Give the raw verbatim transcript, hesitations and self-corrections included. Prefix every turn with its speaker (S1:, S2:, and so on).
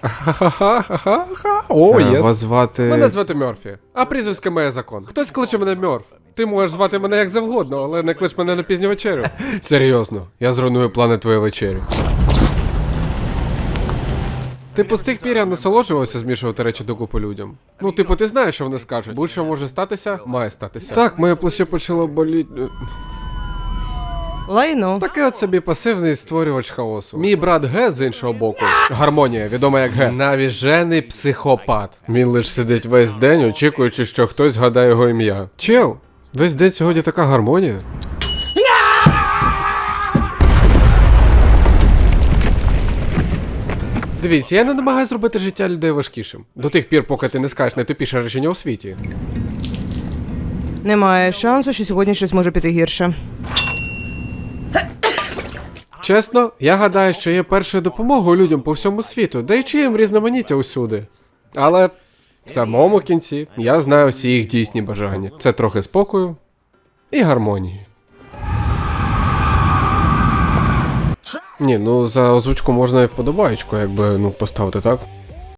S1: Ха-ха-ха-ха-ха. О,
S2: Е,
S1: єс.
S2: Вас звати...
S1: Мене звати Мерфі, а прізвисько моє закон. Хтось кличе мене Мерф. Ти можеш звати мене як завгодно, але не клич мене на пізню вечерю. Серйозно, я зруйную плани твоєї вечері. Типу, з тих пір я насолоджувався змішувати речі докупи людям. Ну, типу, ти знаєш, що вони скажуть. Будь-що може статися, має статися. Так, моє плече почало боліти.
S3: Лайно.
S1: Такий от собі пасивний створювач хаосу. Мій брат Г з іншого боку. Гармонія, відома як Г. Навіжений психопат. Він лиш сидить весь день, очікуючи, що хтось згадає його ім'я. Чел, весь день сьогодні така гармонія. Дивіться, я не намагаюся зробити життя людей важкішим. До тих пір, поки ти не скажеш найтупіше речення у світі.
S3: Немає шансу, що сьогодні щось може піти гірше.
S1: Чесно, я гадаю, що є першою допомогою людям по всьому світу, даючи їм різноманіття усюди. Але в самому кінці я знаю всі їх дійсні бажання. Це трохи спокою і гармонії. Ні, ну за озвучку можна і вподобаєчку, якби, ну, поставити, так?